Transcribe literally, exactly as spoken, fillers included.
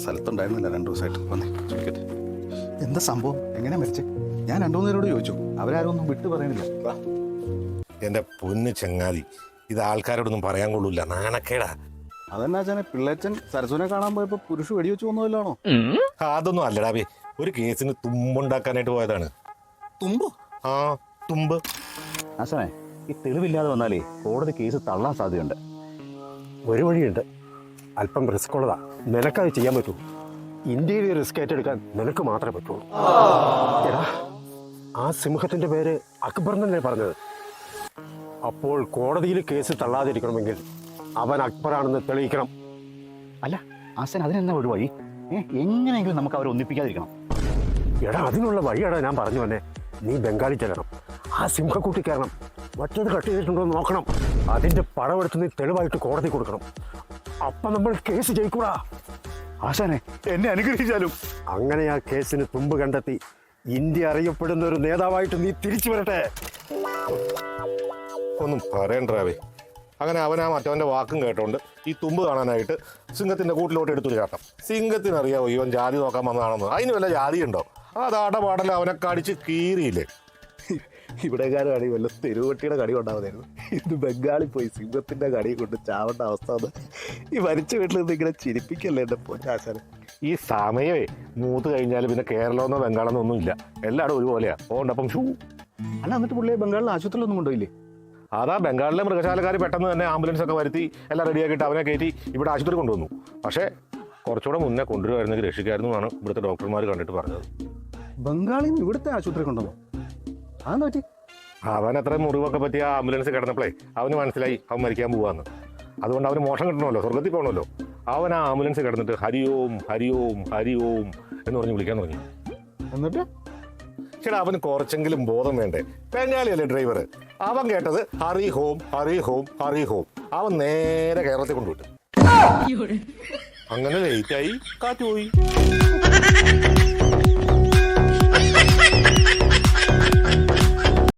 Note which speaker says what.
Speaker 1: സ്ഥലത്തുണ്ടായിരുന്നില്ല രണ്ടു ദിവസമായിട്ട്. വന്നേ ചോദിക്കട്ടെ, എന്താ സംഭവം, എങ്ങനെയാ മരിച്ചേ? ഞാൻ രണ്ടു മൂന്ന് പേരോട് ചോദിച്ചു, അവരാരും ഒന്നും വിട്ടു പറയുന്നില്ല.
Speaker 2: എന്റെ പൊന്ന് ചങ്ങാതി, ഇത് ആൾക്കാരോടൊന്നും പറയാൻ കൊള്ളൂല, നാണക്കേടാ.
Speaker 1: അതെന്നാ വെച്ചാൽ പിള്ളേച്ചൻ സരസുവിനെ കാണാൻ പോയപ്പോ പുരുഷ വെടിവെച്ച് വന്നതല്ലാണോ?
Speaker 2: അതൊന്നും അല്ലടാബേ, ഒരു കേസിന് തുമ്പുണ്ടാക്കാനായിട്ട് പോയതാണ്.
Speaker 1: തുമ്പോ?
Speaker 2: ആ, തുമ്പ്.
Speaker 3: ആശാനെ, ഈ തെളിവില്ലാതെ വന്നാലേ കോടതി കേസ് തള്ളാൻ സാധ്യതയുണ്ട്.
Speaker 4: ഒരു വഴിയുണ്ട്, അല്പം റിസ്ക് ഉള്ളതാ. നിനക്കത് ചെയ്യാൻ പറ്റൂ. ഇന്ത്യയിൽ റിസ്ക് ഏറ്റെടുക്കാൻ നിനക്ക് മാത്രമേ പറ്റുള്ളൂ. എടാ, ആ സിംഹത്തിന്റെ പേര് അക്ബർ എന്നല്ലേ പറഞ്ഞത്? അപ്പോൾ കോടതിയിൽ കേസ് തള്ളാതിരിക്കണമെങ്കിൽ അവൻ അക്ബറാണെന്ന് തെളിയിക്കണം.
Speaker 3: അല്ല ആശാൻ, അതിനെന്താ ഒരു വഴി? ഏ എങ്ങനെയെങ്കിലും നമുക്ക് അവരെ ഒന്നിപ്പിക്കാതിരിക്കണം.
Speaker 4: എടാ, അതിനുള്ള വഴിയാടാ ഞാൻ പറഞ്ഞു തന്നെ. നീ ബംഗാളി ചെല്ലണം, ആ സിംഹക്കൂട്ടി കയറണം, മറ്റേത് കട്ട് ചെയ്തിട്ടുണ്ടോ എന്ന് നോക്കണം. അതിന്റെ പടമെടുത്ത് നീ തെളിവായിട്ട് കോടതി കൊടുക്കണം. അപ്പൊ നമ്മൾ കേസ് ജയിക്കൂടാ.
Speaker 3: ആശാനെ, എന്നെ അനുഗ്രഹിച്ചാലും.
Speaker 4: അങ്ങനെ ആ കേസിന് തുമ്പ് കണ്ടെത്തി ഇന്ത്യ അറിയപ്പെടുന്ന ഒരു നേതാവായിട്ട് നീ തിരിച്ചു വരട്ടെ.
Speaker 2: ഒന്നും പറയണ്ടാവേ. അങ്ങനെ അവൻ ആ മറ്റവന്റെ വാക്കും കേട്ടോണ്ട് ഈ തുമ്പ് കാണാനായിട്ട് സിംഹത്തിന്റെ കൂട്ടിലോട്ട് എടുത്തു ചാട്ടം. സിംഹത്തിനറിയാവോ ഇവൻ ജാതി നോക്കാൻ വന്നതാണെന്ന്? അതിന് വല്ല ജാതി ഉണ്ടോ? അതാട പാടല അവനെ കടിച്ച് കീറിയില്ലേ.
Speaker 1: ഇവിടെക്കാരാണ് വല്ല തെരുവട്ടിയുടെ കടി കൊണ്ടാവുന്നായിരുന്നു. ഇത് ബംഗാളിൽ പോയി സിംഹത്തിന്റെ കടി കൊണ്ട് ചാവേണ്ട അവസ്ഥ വന്ന് ഈ മരിച്ച വീട്ടിൽ നിന്ന് ഇങ്ങനെ ചിരിപ്പിക്കല്ലേ എന്റെ പൊന്നാശാനെ.
Speaker 2: ഈ സമയമേ മൂത്ത് കഴിഞ്ഞാൽ പിന്നെ കേരളമെന്നോ ബംഗാളെന്നോ ഒന്നും ഇല്ല, എല്ലാവരും ഒരുപോലെയാ. ഓണ്ടപ്പം ഷൂ.
Speaker 1: അല്ല, എന്നിട്ട് പുള്ളിയെ ബംഗാളിൽ ആശുപത്രിയിലൊന്നും കൊണ്ടുപോയില്ലേ?
Speaker 2: അതാ ബംഗാളിലെ മൃഗശാലക്കാർ പെട്ടെന്ന് തന്നെ ആംബുലൻസ് ഒക്കെ വരുത്തി എല്ലാം റെഡിയാക്കിയിട്ട് അവനെ കയറ്റി ഇവിടെ ആശുപത്രി കൊണ്ടുവന്നു. പക്ഷേ കുറച്ചുകൂടെ മുന്നേ കൊണ്ടുവരുമായിരുന്നെങ്കിൽ രക്ഷിക്കായിരുന്നു എന്നാണ് ഇവിടുത്തെ ഡോക്ടർമാർ കണ്ടിട്ട് പറഞ്ഞത്.
Speaker 1: ബംഗാളിൽ നിന്ന് ഇവിടുത്തെ ആശുപത്രി കൊണ്ടുവന്നു? അതെന്താ പറ്റി?
Speaker 2: അവൻ അത്ര മുറിവൊക്കെ പറ്റിയ ആംബുലൻസ് കിടന്നപ്പോഴേ അവന് മനസ്സിലായി അവൻ മരിക്കാൻ പോവാന്ന്. അതുകൊണ്ട് അവന് മോശം കിട്ടണമല്ലോ, സ്വർഗത്തിൽ പോകണമല്ലോ. അവൻ ആ ആംബുലൻസ് കിടന്നിട്ട് ഹരിയോം ഹരിയോം ഹരിയോം എന്ന് പറഞ്ഞ് വിളിക്കാൻ തുടങ്ങി.
Speaker 1: എന്നിട്ട്
Speaker 2: ചേട്ടാ, അവന് കുറച്ചെങ്കിലും ബോധം വേണ്ടേ? ബംഗാളിയല്ലേ ഡ്രൈവർ. അവൻ കേട്ടത് hurry home hurry home hurry home. അവൻ നേരെ കേരളത്തിൽ കൊണ്ടുവിട്ടു. അങ്ങനെ ലേറ്റായി, കാറ്റ് പോയി.